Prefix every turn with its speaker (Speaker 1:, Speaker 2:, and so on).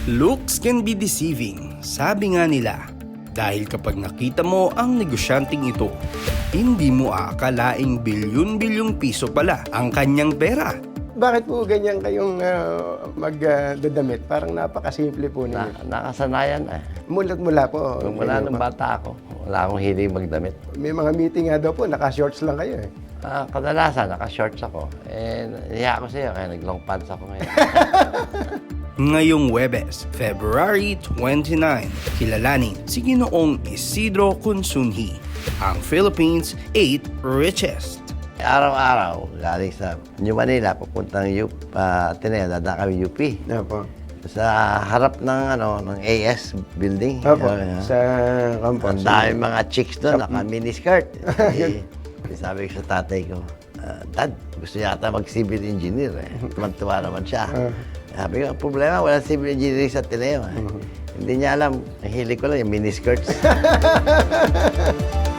Speaker 1: Looks can be deceiving, sabi nga nila. Dahil kapag nakita mo ang negosyanteng ito, hindi mo aakalaing bilyon-bilyong piso pala ang kanyang pera.
Speaker 2: Bakit po ganyan kayong magdadamit? Parang napakasimple po ninyo.
Speaker 3: Nakasanayan eh.
Speaker 2: Mulat-mula po.
Speaker 3: Mula nung bata ako, wala akong hiling magdamit.
Speaker 2: May mga meeting nga daw po, naka-shorts lang kayo eh.
Speaker 3: Kadalasan, naka-shorts ako. Nahiya ako sa'yo, kaya nag-long pants ako ngayon.
Speaker 1: Ngayong Huwebes, February 29, kilalanin si Ginoong Isidro Consunji, ang Philippines' 8th richest.
Speaker 3: Araw-araw, galing sa New Manila, papuntang Ateneo, dadaan kami UP.
Speaker 2: Opo.
Speaker 3: Sa harap ng AS building.
Speaker 2: Opo, sa campus.
Speaker 3: Ang dami mga chicks doon, naka-miniskirt. Sabi ko sa tatay ko, Dad, gusto yata mag-civil engineer eh. Tumantuwa naman siya. Sabi ko, ang problema, walang civil engineering sa Ateneo. Hindi niya alam, ang hilig ko lang yung miniskirts.